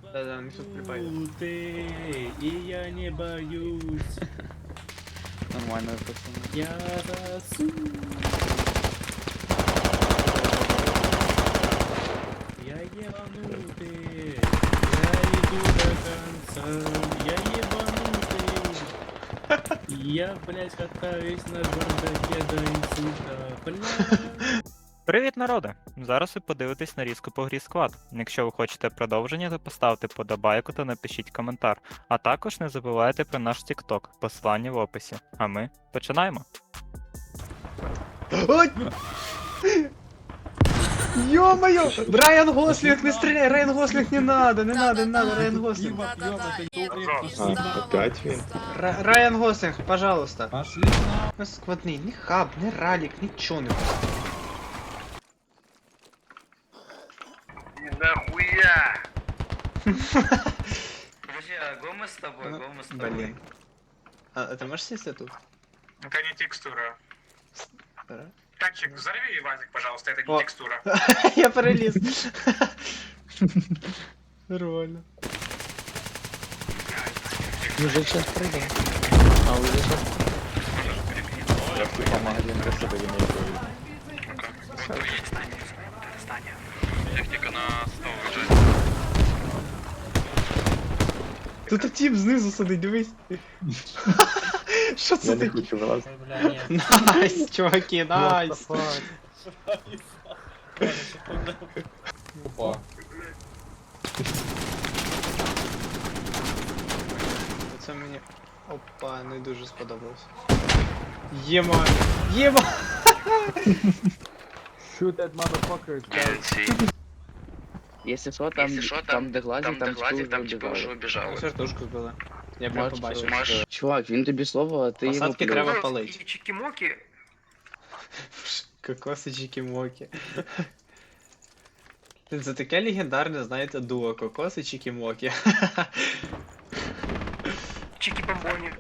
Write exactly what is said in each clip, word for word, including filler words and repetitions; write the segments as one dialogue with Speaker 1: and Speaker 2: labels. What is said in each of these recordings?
Speaker 1: Да-да, не тут припаяно.
Speaker 2: Ты, и я не боюсь.
Speaker 3: Нормально, пацаны.
Speaker 2: Я засу. Я ебанутый. Я иду до конца. Я ебанутый. Я, блядь, катаюсь на бардаке до инсульта. Бля.
Speaker 4: Привіт, народи! Зараз ви подивитесь нарізку по грі Squad. Якщо ви хочете продовження, то поставте подобайку та напишіть коментар. А також не забувайте про наш TikTok, посилання в описі. А ми починаємо!
Speaker 1: Ой! Ё-моё! Райан Гослинг, не стреляй! Райан Гослинг, не надо, не надо, не надо, Райан Гослинг.
Speaker 5: А, опять він?
Speaker 1: Ра- Райан Гослинг, пожалуйста.
Speaker 2: Пошли на.
Speaker 1: Не сквотний, не хаб, не ралик, ничего не
Speaker 6: Нахуя! Подожди, а Гома с тобой,
Speaker 1: Ну,
Speaker 6: Гома с тобой.
Speaker 1: Блин. А, а ты можешь сесть тут?
Speaker 7: Это не текстура.
Speaker 1: Да.
Speaker 7: Танчик, взорви Вазик, пожалуйста, это не
Speaker 1: О.
Speaker 7: текстура.
Speaker 1: Я пролез. Нормально.
Speaker 3: Мужик сейчас прыгал. А уже сейчас.
Speaker 5: Я в тупо магазин для себе лінійкою.
Speaker 6: Техника на сто уже.
Speaker 1: Тут тип знизу сидить, дивись. Що
Speaker 5: Я
Speaker 1: це
Speaker 5: не
Speaker 1: таке?
Speaker 5: хочу вилазити.
Speaker 2: Бля, нет.
Speaker 1: Найс, чуваки, найс.
Speaker 2: Опа.
Speaker 1: Це мені. Опа, не дуже сподобалось. Єма! Єма!
Speaker 3: Если что, там,
Speaker 6: Если что,
Speaker 3: там, де глазик, там,
Speaker 6: глазик, там
Speaker 3: типа
Speaker 6: типа уже
Speaker 3: уже
Speaker 6: убежал.
Speaker 1: Сертушку збили. Я прям
Speaker 3: Можеш,
Speaker 1: побачив.
Speaker 6: можеш.
Speaker 3: Чувак, він тобі слово, а ти йому
Speaker 1: Посадки
Speaker 3: плюєш.
Speaker 1: треба палить.
Speaker 6: Чики-моки.
Speaker 1: Кокоси чики-моки. Це таке легендарне, знаєте, дуо Кокоси чики-моки.
Speaker 6: Чики-бомбони.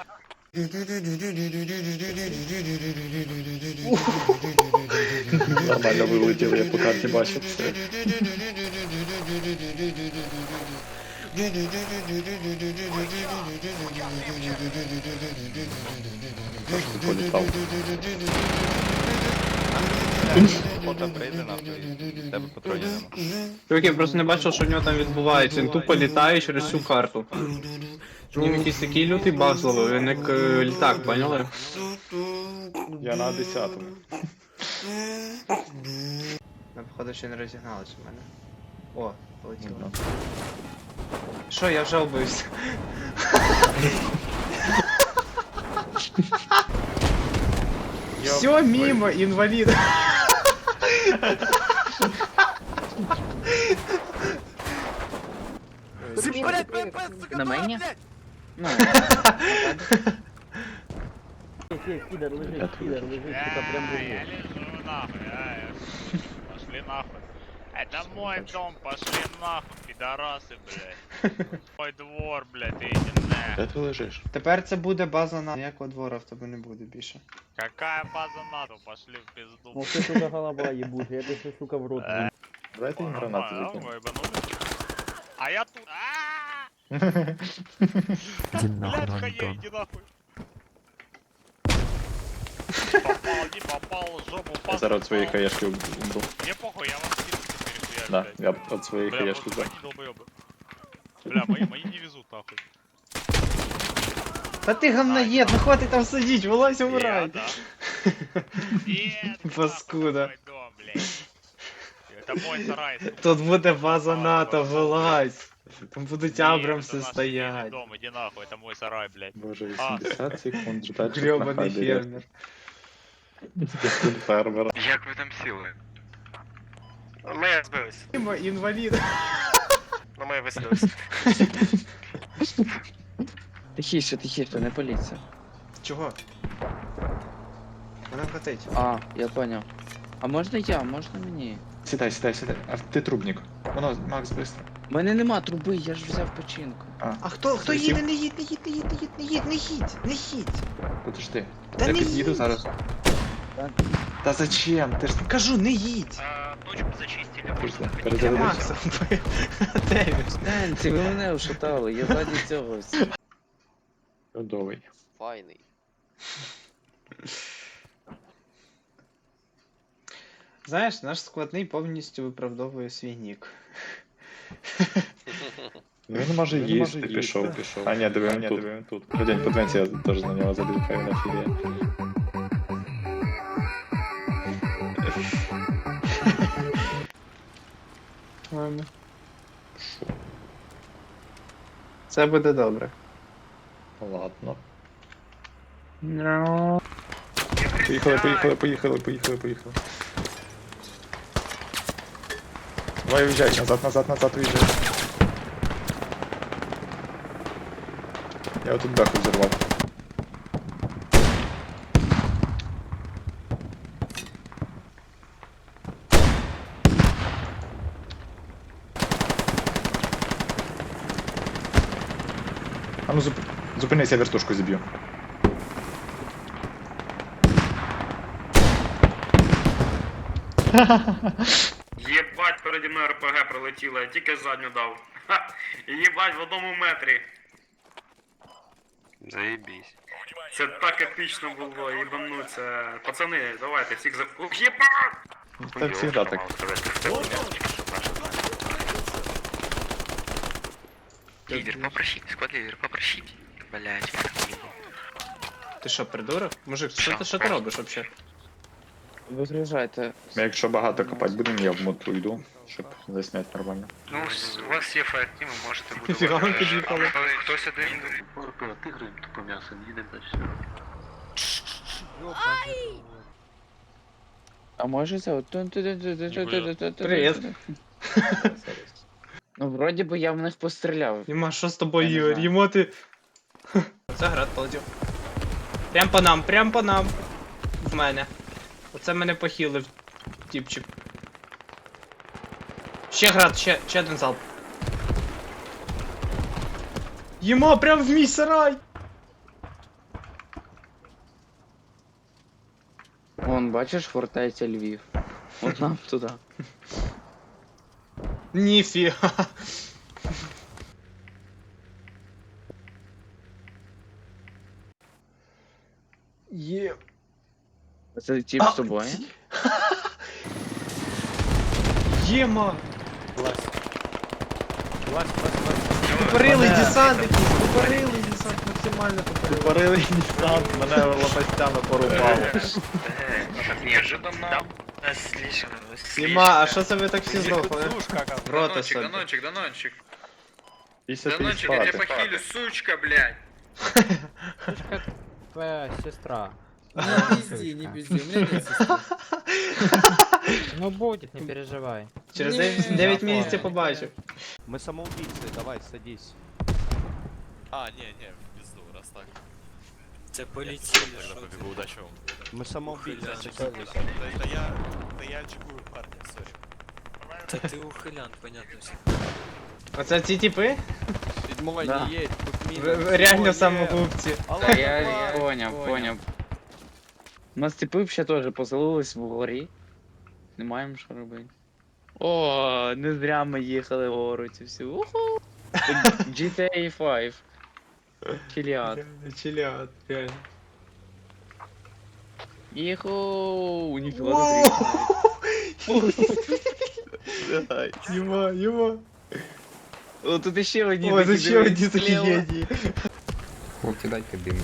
Speaker 5: Нормально вилетіли, я по карті бачив все. Трошки політав. Фото прийде нахуй, в тебе патронів нема.
Speaker 1: Чуваки, я просто не бачив, що в нього там відбувається. Він тупо літає через всю карту. В нього якийсь такий лютий баг зловив, він як е, літак, поняли?
Speaker 5: Я на десятому.
Speaker 1: Ми, походу, ще не розігналися в мене. О, полетіло. Що, я вже обився. Все мимо, інвалід.
Speaker 3: На мені? Ну,
Speaker 5: Я тут.
Speaker 8: Я лежу нахуй, а, пошли нахуй. Это мой дом, пошли нахуй, пидорасы, блядь. Мой двор, блядь, иди
Speaker 5: Де
Speaker 8: нахуй.
Speaker 5: ти лежиш?
Speaker 1: Тепер це буде база на ніякого двора в тебе не буде більше.
Speaker 8: Какая база НАТО, пошли в пизду.
Speaker 2: Ну ты, сука, голова ебучая, я тебе, сука, в рот.
Speaker 8: Э,
Speaker 5: Давайте їм гранату
Speaker 8: нормально,
Speaker 5: закинемо.
Speaker 8: вы ебанулись? А я тут. А, блядь, хае, иди нахуй. Попал, не попал, жопу
Speaker 5: Я
Speaker 8: попал.
Speaker 5: зараз від своєї хаєшки умру.
Speaker 8: Мне похуй, я вам скину перехуярю,
Speaker 5: Да,
Speaker 8: блядь.
Speaker 5: я від своєї
Speaker 8: Бля,
Speaker 5: хаєшки
Speaker 8: просто
Speaker 5: за.
Speaker 8: они долбоёбы. Бля, мои, мои не везут нахуй.
Speaker 1: Та ти говноєд, ну хватить там сидіть, вилазь,
Speaker 8: Я,
Speaker 1: умирай.
Speaker 8: да. Нет,
Speaker 1: Паскуда.
Speaker 8: нахуй, мой дом, блядь. Это мой сарай. сука.
Speaker 1: Тут буде база
Speaker 8: Давай,
Speaker 1: НАТО,
Speaker 8: давай.
Speaker 1: вилазь. Там будуть
Speaker 8: Нет,
Speaker 1: Абрамси
Speaker 8: это наш
Speaker 1: стоять.
Speaker 8: семейный дом, иди нахуй, это мой сарай, блядь.
Speaker 5: Боже, вісімдесят секунд ждать, щоб
Speaker 1: Гребаний
Speaker 5: находили.
Speaker 1: фермер.
Speaker 5: Стиль фермера.
Speaker 6: Як ви там сіли? Ми збились.
Speaker 1: Мимо, інвалід.
Speaker 6: Ну ми висадились.
Speaker 3: тихіше, тихіше, не політься.
Speaker 1: Чого? Вона вкатить.
Speaker 3: А, я понял. А можна я, можна мені?
Speaker 5: Сідай, сідай, сідай. А ти трубник. Воно, Макс, быстро.
Speaker 3: У мене нема труби, я ж взяв починку.
Speaker 1: А хто, хто їде? Не їдь, не їдь, не їдь, не їдь, не їдь, не їдь, не їдь.
Speaker 5: Подожди.
Speaker 1: Та
Speaker 5: Я
Speaker 1: не
Speaker 5: під'їду
Speaker 1: їдь.
Speaker 5: зараз.
Speaker 3: Так.
Speaker 5: Та зачем? Ти ж...
Speaker 1: Кажу, не їдь.
Speaker 6: А,
Speaker 5: Пішли, перезарядися.
Speaker 1: Макса вбив. Де він?
Speaker 3: Станці, ви мене ушатали, я заді цього. всі.
Speaker 5: Чудовий.
Speaker 9: Файний.
Speaker 1: Знаєш, наш складний повністю виправдовує свій нік.
Speaker 5: Ну він може їсти, пішов, пішов. А ні, диви, він тут. Він тут. Подень, подивіться, я теж на нього забіг, хай він офігіє.
Speaker 1: Ладно. Це буде добре.
Speaker 5: Ладно. Поїхали, поїхали, поїхали, поїхали, поїхали. Давай уїжджай, назад, назад, назад уїжджай. Я отут беху взорвав. А ну зуп... зупинись, я вертушку зіб'ю.
Speaker 6: Єбать, переді мною РПГ пролетіло, я тільки задню дав. Ха! Єбать, в одному метрі.
Speaker 9: Заєбісь.
Speaker 6: Це так епічно було, їбануться. Пацани, давайте, всіх за... Ух, єбать!
Speaker 5: Так завжди так.
Speaker 9: Лідер, попросіть, склад лідер, попросіть. Блять,
Speaker 1: Ти що, придурок? Мужик, що ти, що ти робиш взагалі?
Speaker 3: Вигружайте.
Speaker 5: Ми якщо багато копати будемо, я в мод уйду, щоб засняти нормально.
Speaker 6: Ну, у вас є фаєртім, ви можете бути...
Speaker 1: Ніфіга ви під'їхали.
Speaker 6: Хтось один...
Speaker 3: А може це от...
Speaker 1: Привіт.
Speaker 3: Ну, вроді би я в них постріляв.
Speaker 1: Єма, що з тобою,
Speaker 3: Я не
Speaker 1: Ігор?
Speaker 3: знаю.
Speaker 1: Ємо ти... Це град полетів. Прям по нам, прям по нам. В мене. Оце мене похилив, тіпчик. Ще град, ще, ще один залп. Єма, прям в мій сарай!
Speaker 3: Вон, бачиш, фортеця Львів. От нам туди.
Speaker 1: Ніфіга. Є.
Speaker 3: Це тип
Speaker 1: А,
Speaker 3: з тобою?
Speaker 1: ці- Єма! Тупорилий десантник, тупорилий десант, максимально тупорилий.
Speaker 5: Тупорилий десант, мене лопастями порубало.
Speaker 6: Неожиданно.
Speaker 1: Єма, а що це ви так всі здохли? В рота собі.
Speaker 6: Данончик, Данончик.
Speaker 5: Після ти
Speaker 6: Данончик, я тебя
Speaker 5: спати.
Speaker 6: похилю, сучка, блядь.
Speaker 2: Твоя сестра.
Speaker 10: Не пизди, не пизди, у меня нет сестры.
Speaker 2: Ну будет, не переживай.
Speaker 1: Через
Speaker 10: Ні.
Speaker 1: дев'ять місяців побачив.
Speaker 10: Мы самоубийцы, давай, садись.
Speaker 9: А, ні, ні, в пизду, раз так.
Speaker 2: Це полетіли.
Speaker 9: Тогда побегу, удачи вам.
Speaker 10: Мы самоубийцы, садись.
Speaker 9: Да я, да я чекую парня, сори.
Speaker 2: Та ти ухилян, понятно все.
Speaker 1: Оце ці типи?
Speaker 10: Седьмой
Speaker 3: Да.
Speaker 10: не едь, тут мина.
Speaker 1: Ви- ви Реально
Speaker 10: Седьмой,
Speaker 1: самогубці.
Speaker 10: Алло,
Speaker 3: Та я,
Speaker 10: давай.
Speaker 3: я поняв, поняв. У нас типи ще теж поселились вгорі. Не маємо що робити. О, не зря ми їхали вгору ці всі. Уху! джі ті ей п'ять. Чиліат.
Speaker 1: Чилят, реально.
Speaker 3: Іху, ніфіга
Speaker 1: Воу!
Speaker 3: забрій.
Speaker 1: Єма, єма.
Speaker 3: О, тут ще одні
Speaker 1: Ой,
Speaker 3: такі,
Speaker 1: це ще
Speaker 3: дивись,
Speaker 1: одні такі
Speaker 3: зліва.
Speaker 1: генії.
Speaker 10: Хлопці, дайте дим.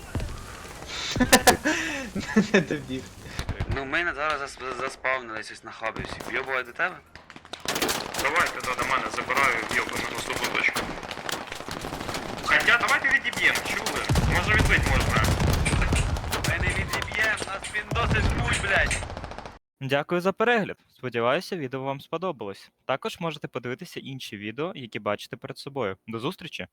Speaker 1: Не добіг.
Speaker 9: Ну, ми зараз зас- заспавнились ось на хабі всі. Вйобувай до тебе?
Speaker 6: Давайте да, до мене забираю в'єбану на слабу точку. Хотя, давайте відіб'ємо, чули? Може відбити можна.
Speaker 9: Ми не відіб'єм, нас він досить пуль, блядь.
Speaker 4: Дякую за перегляд. Сподіваюся, відео вам сподобалось. Також можете подивитися інші відео, які бачите перед собою. До зустрічі!